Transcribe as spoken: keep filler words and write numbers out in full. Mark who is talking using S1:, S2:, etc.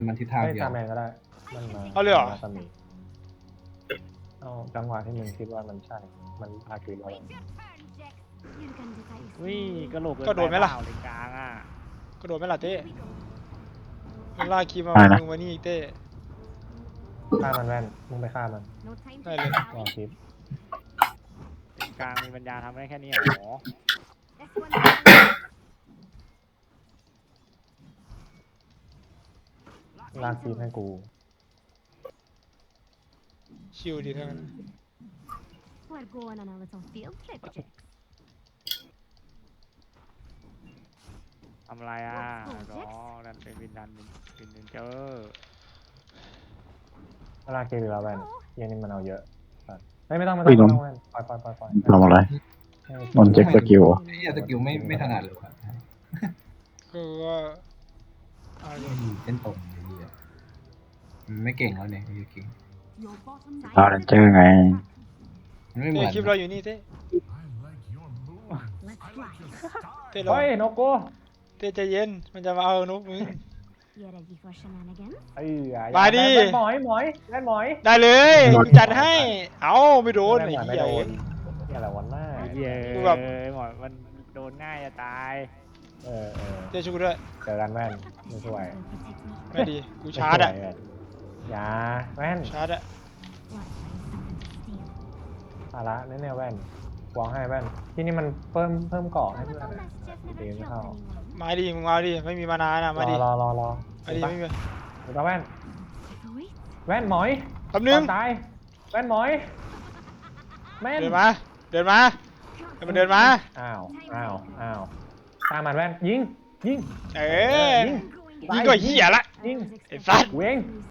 S1: มันทิศทาง
S2: ไม่
S1: เดียว
S2: ตามแมนก็ได้มันมา
S3: เอาเลยเหรอ
S2: มาสมีเอาจังหวะที่มึงคิดว่ามันใช่มันอาคิแล้ว
S4: วิ่กระโหลก
S3: ก็โดนไหมล่ะ
S4: เลยกลางอ่ะ
S3: ก็โดนไหมล่ะเต้มันลากคีมา
S5: อะไรนะ
S3: มึงมานี่อีกเต้
S2: ฆ่ามันแว่นมึงไปฆ่ามัน
S3: ได้เลย
S2: ลองคิด
S4: กลางมีปัญญาทำได้แค่นี้เหรอ
S2: ลากคีให้กู
S3: ชิวดีทั้งนั้น
S6: We're going on a little field trip, Jack.
S4: ทำอะไรอ่ะรอดันเป็นวินดันเป็นวินเดนเจอร์
S2: ลากคีหรือเราแว่นเยังนี่มันเอาเยอะไม่ไม่ต้องไม่ต้อง
S5: อุ้ย
S2: ไม่
S5: นน
S2: ต้องแว่นปล่อยปล่อยปล่อยปล่อย
S5: ทำอะไร
S2: ให้
S5: นนเจ็คสกิลเหรอ
S1: ไอ้เหี้ยสกิลไม่ไม่ถนัดเลยว่ะ
S3: คือว่าเอาเลย
S1: ไม่มีเส้นตรงไอ้เหี้ยมันไม่เก่งแล้วเนี่ยไอ้เหี้ยเก่ง
S5: ดาวเรนเจอร์ไง
S1: มันไม่เหมื
S3: เต้
S1: อน
S3: คลิปเราอยู่นี่เต้
S6: Let's fly.
S3: เต้เรา
S2: เฮ้ยนกกู
S3: เต้ใจเย็นมันจะมาเอานกมึง
S6: You ready for shenanigans?
S2: เอ้ยอย่า
S3: มาดิ
S2: แว่นหมอยหมอยแว่นหมอย
S3: ได้เลยกูจัดให้ เอ้าไม่โดน
S2: แว่
S3: ไอ้
S2: หมอยไม่
S3: เหี้ย
S2: โดนนี่อะไรวันหน้า
S4: เย้
S3: กูแบบ
S4: หมอมันโดนง่ายจะตาย
S2: เออเออ
S3: เต้ช่วยกูด้วย
S2: เจอกันแว่นไม่ช่วย
S6: Will protect me.
S3: ไม่ดีกูชาร์จอะ
S2: ไม่ช่วยแว่นอย่าแว่น
S3: ชาร์จอะ
S6: Let's find something to steal.
S2: ภาระแน่ๆแว่นวางให้แว่นที่นี่มันเพิ่มเพิ่มเกาะให้เพื่อน
S6: Little
S2: อะ
S6: mischief
S2: ตี
S6: never
S2: ไม่
S6: killed
S2: เข้า
S6: anyone.
S3: มาดิมึงมาดิไม่มีมานานอะมาดิ
S2: รอรอรอ
S3: มาดิไม่มี
S2: เดี๋ยวแว่น
S6: Wait.
S2: แว่นหมอย
S3: แป๊บนึง
S2: ก่อตายแว่นหมอยแม่น
S3: เดินมาเดินมาให้มันเดินมา
S2: อ้าวอ้าวอ้าวตามมันแว่นยิงยิง
S3: เออ
S2: ยิง
S3: ยิงก็เหี้ยละ
S2: ยิง
S3: ไอ้สัส
S2: เวง